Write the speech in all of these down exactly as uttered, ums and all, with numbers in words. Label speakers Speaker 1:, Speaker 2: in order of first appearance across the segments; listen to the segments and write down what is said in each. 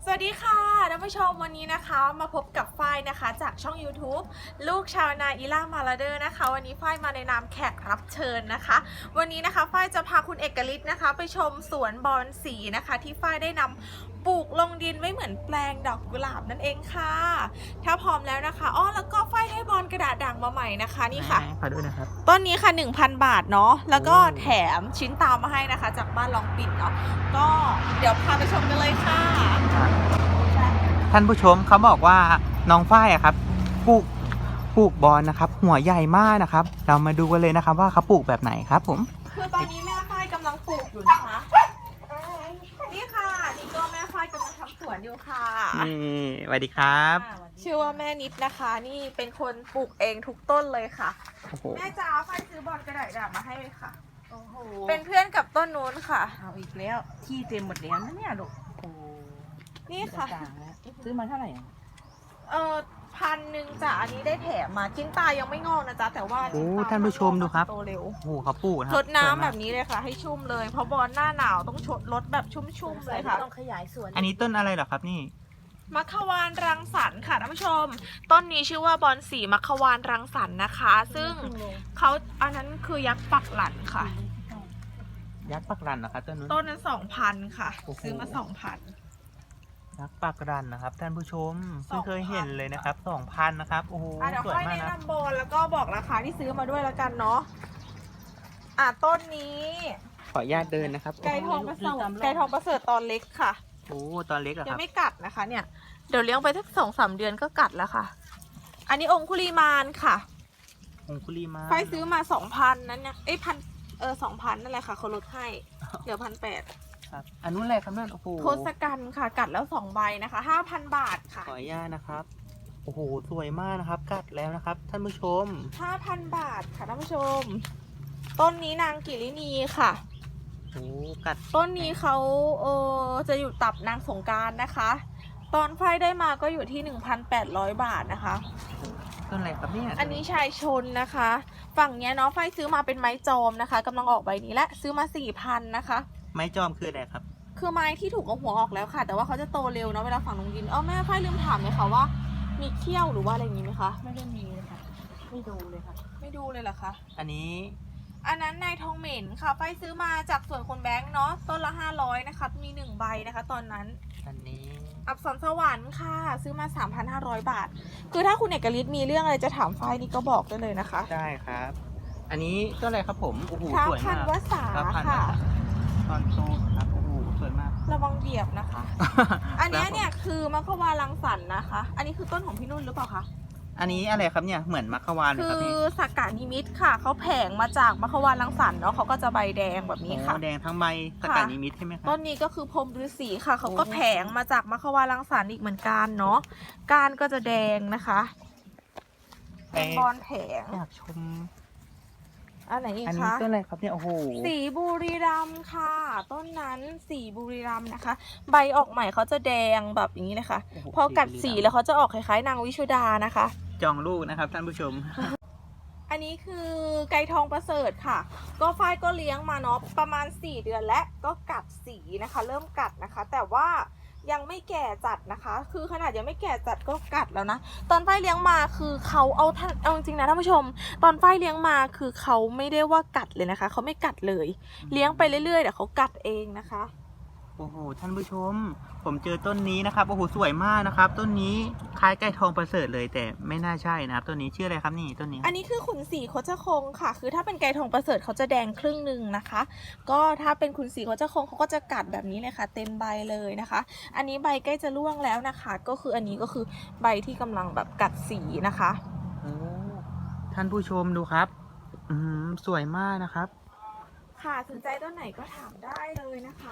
Speaker 1: วัสดีค่ะท่านผู้ชมวันนี้นะคะมาพบกับฝ้ายนะคะจากช่อง ยูทูบ ลูกชาวนาอีล่ามาลาเดอร์นะคะวันนี้ฝ้ายมาในนามแขกรับเชิญนะคะวันนี้นะคะฝ้ายจะพาคุณเอกฤทธิ์นะคะไปชมสวนบอนสีนะคะที่ฝ้ายได้นำปลูกลงดินไว้เหมือนแปลงดอกกุหลาบนั่นเองค่ะถ้าพร้อมแล้วนะคะอ้อแล้วก็ฝ้ายให้บอนกระดาษด่างมาใหม่นะคะนี่ค่ะ
Speaker 2: ขอดูนะครับ
Speaker 1: ต้นนี้ค่ะ หนึ่งพัน บาทเนาะแล้วก็แถมชิ้นตามมาให้นะคะจากบ้านลองปิ่นเนาะก็เดี๋ยวพาไปชมกันเลยค่ะ
Speaker 2: ท่านผู้ชมเขาบอกว่าน้องฝ้ายอะครับปลูกปลูกบอนนะครับหัวใหญ่มากนะครับเรามาดูกันเลยนะครับว่าเขาปลูกแบบไหนครับผม
Speaker 1: คือตอนนี้แม่ฝ้ายกำลังปลูกอยู่นะคะนี่ค่ะนี่ก็แม่ฝ้ายกำลังทำสวนอยู่ค่ะ
Speaker 2: นี่สวัสดีครับ
Speaker 1: ชื่อว่าแม่นิดนะคะนี่เป็นคนปลูกเองทุกต้นเลยค่ะแม่จ๋าฝ้ายซื้อบอนกระดาษด่างมาให้เลยค่ะโอ้โหเป็นเพื่อนกับต้นนู้นค่ะ
Speaker 3: เอาอีกแล้วที่เต็มหมดแล้วนะเนี่ยลูกโอ้
Speaker 1: นี่ค่ะ
Speaker 3: ซื้อมาเท่าไหร่
Speaker 1: เออพันหนึ่งจ้ะอันนี้ได้แถมมาชิ้นตายังไม่งอกนะจ๊ะแต่ว่า
Speaker 2: โอ้ท่านผู้ชมดูครับ
Speaker 1: โตเร็ว
Speaker 2: โอ้โหเขาปลูกนะ
Speaker 1: รดน้ำแบบนี้เลยค่ะให้ชุ่มเลยเพราะบอนหน้าหนาวต้องชดรดแบบชุ่มๆเลยค่ะ
Speaker 3: ต้องขยายสวน
Speaker 2: อันนี้ต้นอะไรเหรอครับนี่
Speaker 1: มัคควานรังสรรค์ค่ะท่านผู้ชมต้นนี้ชื่อว่าบอนสีมัคควานรังสรรค์นะคะ ซึ่งเขาอันนั้นคือยักษ์ปักหลันค่ะ
Speaker 2: ยักษ์ปักรันนะครับต้นนู้น
Speaker 1: ต้นนั้นสองพันค่ะซื้อมาสองพัน
Speaker 2: ยักษ์ปักรันนะครับท่านผู้ชมไม่เคยเห็นเลยนะครับสองพันนะครับโอ้โห
Speaker 1: สวยมากนะเดี๋ยวค่อยแนะนำบอนแล้วก็บอกราคาที่ซื้อมาด้วยแล้วกันเนาะอ่ะต้นนี้
Speaker 2: ขออนุญาตเดินนะครับ
Speaker 1: ไก่ทองประเสริฐไก่ทองประเสริฐตอนเล็กค่ะ
Speaker 2: โอ้ตอนเล็กเหรอครับ
Speaker 1: ยังไม่กัดนะคะเนี่ยเดี๋ยวเลี้ยงไปสักสองสามเดือนก็กัดแล้วค่ะอันนี้องคุลีมานค่ะ
Speaker 2: องคุลีมาน
Speaker 1: ไฟซื้อมาสองพันนั้นเนี่ยเอ้ยพันเออสองพันนั่นแหละค่ะเขาลดให้เหลือพันแปด
Speaker 2: ครับอันนู้นอะไรครับนั่นโอ้โห
Speaker 1: โทศกัณฐ์ค่ะกัดแล้วสองใบนะคะห้าพันบาทค่ะ
Speaker 2: ขออนุญาตนะครับโอ้โหสวยมากนะครับกัดแล้วนะครับท่านผู้ชม
Speaker 1: ห้าพันบาทค่ะท่านผู้ชมต้นนี้นางกิรินีค่ะ
Speaker 2: โอ้กัด
Speaker 1: ต้นนี้เขาเออจะอยู่ตับนางสงการนะคะตอนไฟได้มาก็อยู่ที่ หนึ่งพันแปดร้อย บาทนะคะ
Speaker 2: ต้นอะไรครับเนี่ย
Speaker 1: อันนี้ชายชนนะคะฝั่งเนี้ยเนาะไฟซื้อมาเป็นไม้จอมนะคะกำลังออกใบนี้และซื้อมา สี่พัน นะคะ
Speaker 2: ไม้จอมคืออะไรครับ
Speaker 1: คือไม้ที่ถูกเอาหัวออกแล้วค่ะแต่ว่าเขาจะโตเร็วเนาะเวลาฝังลงดินเออแม่ไฟลืมถามเลยค่ะว่ามีเขี้ยวหรือว่าอะไรอย่างนี้ไหมคะ
Speaker 3: ไม่ได้มีเลยค่ะไม่ดูเลยค่ะ
Speaker 1: ไม่ดูเลยเหรอคะ
Speaker 2: อันนี้
Speaker 1: อันนั้นนายทองเหม็นค่ะไฟซื้อมาจากสวนคนแบงค์เนาะต้นละห้าร้อยนะคะมีหนึ่งใบนะคะตอนนั้น
Speaker 2: อันนี้
Speaker 1: อับสรสวรรค์ค่ะซื้อมา สามพันห้าร้อย บาทคือถ้าคุณเอกฤทธิ์มีเรื่องอะไรจะถามไฟนี่ก็บอกได้เลยนะคะ
Speaker 2: ได้ครับอันนี้ต้นอะไรครับผมโอ้โหสวยมาก
Speaker 1: พันวสาค่ะ
Speaker 2: ตอนโตครับโอ้โหสวยมาก
Speaker 1: ระวังเบียบนะคะ อันนี้เนี่ยคือมัคควานรังสรรค์นะคะอันนี้คือต้นของพี่นุ่นหรือเปล่าคะ
Speaker 2: อันนี้อะไรครับเนี่ยเหมือนมัคควานเลยครับ
Speaker 1: คือสักกะนิมิตค่ะเขาแผงมาจากมัคควานรังสรรค์เนาะเขาก็จะใบแดงแบบนี้ค่ะ
Speaker 2: แดงทั้งใบสักกะนิมิตใช่ไหมครับ
Speaker 1: ต้นนี้ก็คือพรหมฤาษีค่ะเขาก็แผงมาจากมัคควานรังสรรค์อีกเหมือนกันเนาะก้านก็จะแดงนะคะเป็นบอนแผง
Speaker 2: อยากชม
Speaker 1: อันไหนอีกคะ
Speaker 2: อันนี้ต้นอะไรครับเนี่ยโอ้โห
Speaker 1: สีบุรีรัมย์ค่ะต้นนั้นสีบุรีรัมย์นะคะใบออกใหม่เขาจะแดงแบบอย่างนี้เลยค่ะพอกัดสีแล้วเขาจะออกคล้ายๆนางวิชุดานะคะ
Speaker 2: จองลูกนะครับท่านผู้ชม
Speaker 1: อันนี้คือไก่ทองประเสริฐค่ะก็ฝ้ายก็เลี้ยงมาเนาะประมาณสี่เดือนและก็กัดสีนะคะเริ่มกัดนะคะแต่ว่ายังไม่แก่จัดนะคะคือขนาดยังไม่แก่จัดก็กัดแล้วนะตอนฝ้ายเลี้ยงมาคือเขาเอาเอาจริงๆนะท่านผู้ชมตอนฝ้ายเลี้ยงมาคือเขาไม่ได้ว่ากัดเลยนะคะเขาไม่กัดเลยเลี้ยงไปเรื่อยๆเดี๋ยวเขากัดเองนะคะ
Speaker 2: โอ้โหท่านผู้ชมผมเจอต้นนี้นะครับโอ้โหสวยมากนะครับต้นนี้คล้ายไก่ทองประเสริฐเลยแต่ไม่น่าใช่นะครับต้นนี้ชื่ออะไรครับนี่ต้นนี้
Speaker 1: อันนี้คือขุนศรีโคจรคงค่ะคือถ้าเป็นไก่ทองประเสริฐเขาจะแดงครึ่งหนึ่งนะคะก็ถ้าเป็นขุนศรีโคจรคงเขาก็จะกัดแบบนี้เลยค่ะเต็มใบเลยนะคะอันนี้ใบใกล้จะร่วงแล้วนะคะก็คืออันนี้ก็คือใบที่กำลังแบบกัดสีนะคะ
Speaker 2: โอ้ท่านผู้ชมดูครับอืมสวยมากนะครับ
Speaker 1: ค่ะสนใจต้นไหนก็ถามได้เลยนะคะ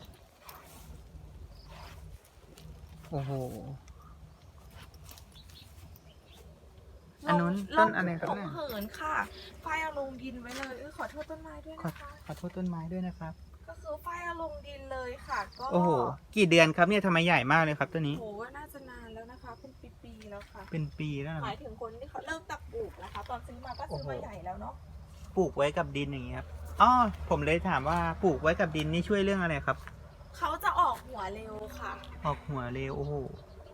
Speaker 2: โอ้โหอันนู้นต้นอะไรครับเนี่ย
Speaker 1: เหินค่ะไฟเอาลงดินไว้เลยขอโทษต้นไม้ด้วยนะคะ
Speaker 2: ขอโทษต้นไม้ด้วยนะครับ
Speaker 1: ก็คือไฟเอาลงดินเลยค่ะก็
Speaker 2: โอ้โหกี่เดือนครับเนี่ยทำไมใหญ่มากเลยครับต้นนี้
Speaker 1: โอ้โหน่าจะนานแล้วนะคะเป็นปีๆแล้วค่ะ
Speaker 2: เป็นปีแล้ว
Speaker 1: หมายถึงคนที่เขาเริ่มตักปลูกนะคะตอนซื้อมาก็ซื้อมาใหญ่แล้วเนาะ
Speaker 2: ปลูกไว้กับดินอย่างเงี้ยครับอ๋อผมเลยถามว่าปลูกไว้กับดินนี่ช่วยเรื่องอะไรครับ
Speaker 1: เขาจะออกหหัวเร็วค่ะ
Speaker 2: ออกหัวเร็วโอ้โห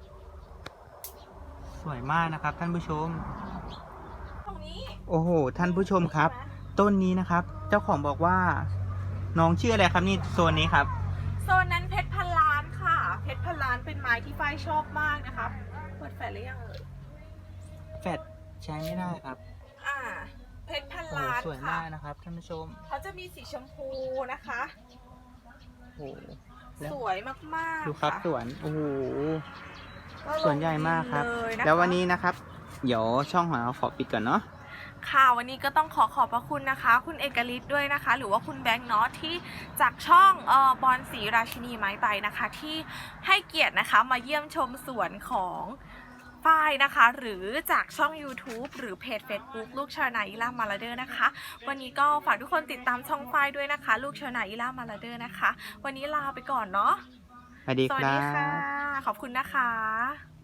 Speaker 2: สวยมากนะครับ ท่านผู้ชม
Speaker 1: ตรงนี้
Speaker 2: โอ้โหท่านผู้ชมครับ ต้นนี้นะครับ เจ้าของบอกว่า น้องชื่ออะไรครับนี่โซนนี้ครับ
Speaker 1: โซนนั้นเพชรพันล้านค่ะ เพชรพันล้านเป็นไม้ที่ฝ้ายชอบมากนะคะเปิดแฟลชหรือยังเอ่ย
Speaker 2: แฟดใช้ไม่ได้ครับ
Speaker 1: อ่า เพชรพัน
Speaker 2: โอ้โห
Speaker 1: ล้าน
Speaker 2: สวย
Speaker 1: ค่ะ
Speaker 2: มากนะครับท่านผู้ชม
Speaker 1: เขาจะมีสีชมพูนะคะ
Speaker 2: โอ้โหแล้ว
Speaker 1: สวยมากๆ
Speaker 2: ดูครับ
Speaker 1: ะ
Speaker 2: สวนโอ้โห
Speaker 1: ก็ลง
Speaker 2: สวนใหญ่มากครับ
Speaker 1: เลยะคะ
Speaker 2: แล้ววันนี้นะครับ เดี๋ยวช่องของเราขอปิดก่อนเนาะ
Speaker 1: ค่ะวันนี้ก็ต้องขอขอบพระคุณนะคะ คุณเอกฤทธิ์ด้วยนะคะ หรือว่าคุณแบงค์เนาะที่จากช่องเอ่อบอลศรีราชินีไม้ใบนะคะ ที่ให้เกียรตินะคะมาเยี่ยมชมสวนของฝ้ายนะคะ หรือจากช่อง YouTube หรือเพจ Facebook ลูกชาวนาอิล่ามาลาเดอร์นะคะ วันนี้ก็ฝากทุกคนติดตามช่องฝ้ายด้วยนะคะ ลูกชาวนาอิล่ามาลาเดอร์นะคะ วันนี้ลาไปก่อนเนาะ
Speaker 2: สวัสดี
Speaker 1: ส
Speaker 2: ค
Speaker 1: วัส
Speaker 2: รั
Speaker 1: ดีค่ะ
Speaker 2: บ
Speaker 1: ขอบคุณนะคะ